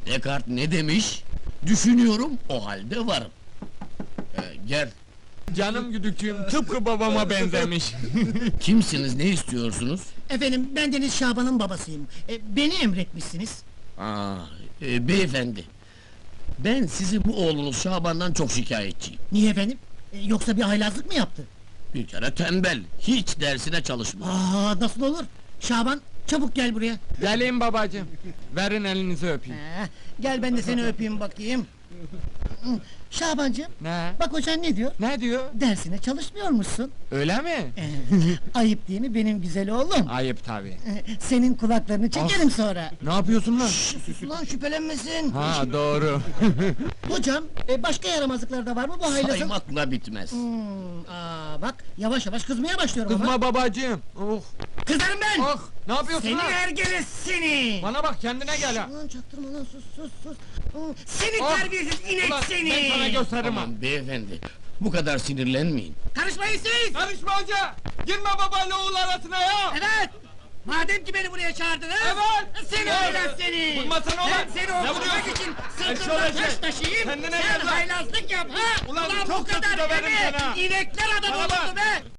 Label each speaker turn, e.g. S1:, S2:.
S1: Descartes ne demiş? Düşünüyorum, o halde varım. Gel.
S2: Canım güdükçüğüm tıpkı babama benzemiş.
S1: Kimsiniz, ne istiyorsunuz?
S3: Efendim, ben Deniz Şaban'ın babasıyım. Beni emretmişsiniz.
S1: Beyefendi. Ben sizin bu oğlunuz Şaban'dan çok şikayetçiyim.
S3: Niye efendim? Yoksa bir haylazlık mı yaptı?
S1: Bir kere tembel, hiç dersine çalışmıyor.
S3: Nasıl olur? Şaban, çabuk gel buraya.
S2: Geleyim babacığım. Verin elinizi öpeyim.
S3: Gel ben de seni öpeyim bakayım. Şabancığım,
S2: Ne?
S3: bak hocan ne diyor?
S2: Ne diyor?
S3: Dersine çalışmıyormuşsun.
S2: Öyle mi?
S3: Ayıp değil mi benim güzel oğlum?
S2: Ayıp tabii.
S3: Senin kulaklarını çekerim sonra.
S2: Ne yapıyorsun lan?
S3: Sus ulan, şüphelenmesin.
S2: Ha doğru.
S3: Hocam, başka yaramazlıklar da var mı bu haylazın?
S1: Saymakla bitmez.
S3: Bak, yavaş yavaş kızmaya başlıyorum ama.
S2: Kızma babacığım. Oh.
S3: Kızarım ben!
S2: Ah, ne yapıyorsun
S3: Seni
S2: lan?
S3: ergele seni!
S2: Bana bak kendine gel ha.
S3: Ulan çaktırma lan, sus! Seni
S2: Ah!
S3: terbiyesiz inek
S2: Ulan
S3: seni!
S2: ben sana gösteririm ha.
S1: Tamam beyefendi, bu kadar sinirlenmeyin.
S3: Karışmayın siz!
S2: Karışma hoca! Girme babayla oğul arasına ya!
S3: Evet! Madem ki beni buraya çağırdınız!
S2: Evet!
S3: Seni
S2: Evet!
S3: haylaz seni!
S2: Vurmasana ulan!
S3: Ben seni
S2: Ne
S3: okutmak
S2: vuruyorsun?
S3: için
S2: Eşşoğlu
S3: sırtımda taş
S2: eşek!
S3: taşıyayım!
S2: Kendine
S3: Sen
S2: gel lan!
S3: haylazlık yap ha!
S2: Ulan
S3: bu
S2: çok kötü
S3: kadar
S2: döverim
S3: deme!
S2: seni ha!
S3: İnekler adam
S2: Bana
S3: olurdu
S2: bak!
S3: be!